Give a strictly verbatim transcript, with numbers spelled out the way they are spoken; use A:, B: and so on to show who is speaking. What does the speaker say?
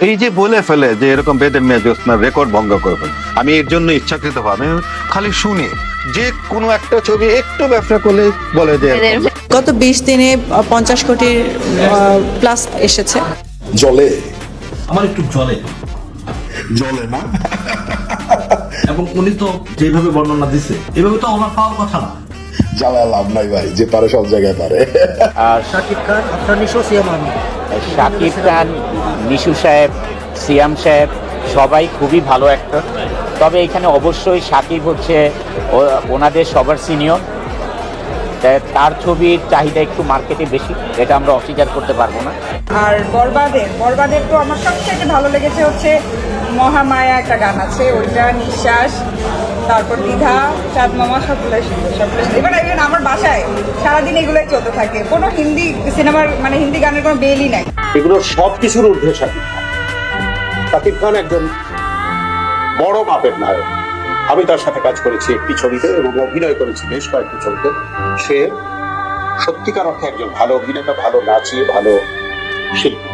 A: এই যে বলে ফেলে যে এরকম বেদের মেয়ে জ্যোৎস্নার রেকর্ড ভঙ্গ করবেন, আমি এর জন্য ইচ্ছাকৃত ভাবে খালি শুনি যে কোনো একটা ছবি একটু ব্যবসা করলে বলে যে
B: গত বিশ দিনে পঞ্চাশ কোটির প্লাস এসেছে।
C: জলে
D: আমার একটু জলে
C: জলে না,
D: এবং উনি তো যেভাবে বর্ণনা দিছে এভাবে তো ওনার পাওয়ার কথা না।
C: জ্বালা লাভ নাই ভাই, যে পারে সব জায়গায় পারে।
E: শাকিব খান, আফরান নিশো, সিয়াম আহমেদ।
F: শাকিব খান, নিশু সাহেব, সিয়াম সাহেব সবাই খুবই ভালো অ্যাক্টর। তবে এখানে অবশ্যই শাকিব হচ্ছে ও- ওনাদের সবার সিনিয়র, তার ছবির চাহিদা একটু মার্কেটে বেশি, এটা আমরা অস্বীকার করতে পারবো না।
G: আর বরবাদের বরবাদের তো আমার সবথেকে ভালো লেগেছে হচ্ছে মহামায়া, একটা গান আছে ওইটা, নিঃশ্বাস, তারপর দ্বিধা, চাঁদ মামা, সবগুলো সুন্দর, সবগুলো সুন্দর। এবার even আমার বাসায় সারাদিন এগুলোই চলতে থাকে, কোনো হিন্দি সিনেমার মানে হিন্দি গানের কোনো বেলই নাই।
H: এগুলো সব কিছুর ঊর্ধ্বে শাকিব খান। শাকিব খান একজন বড় মাপের নায়ক। আমি তার সাথে কাজ করেছি একটি ছবিতে এবং অভিনয় করেছি বেশ কয়েকটি ছবিতে। সে সত্যিকার অর্থে একজন ভালো অভিনেতা, ভালো নাচিয়ে, ভালো শিল্পী।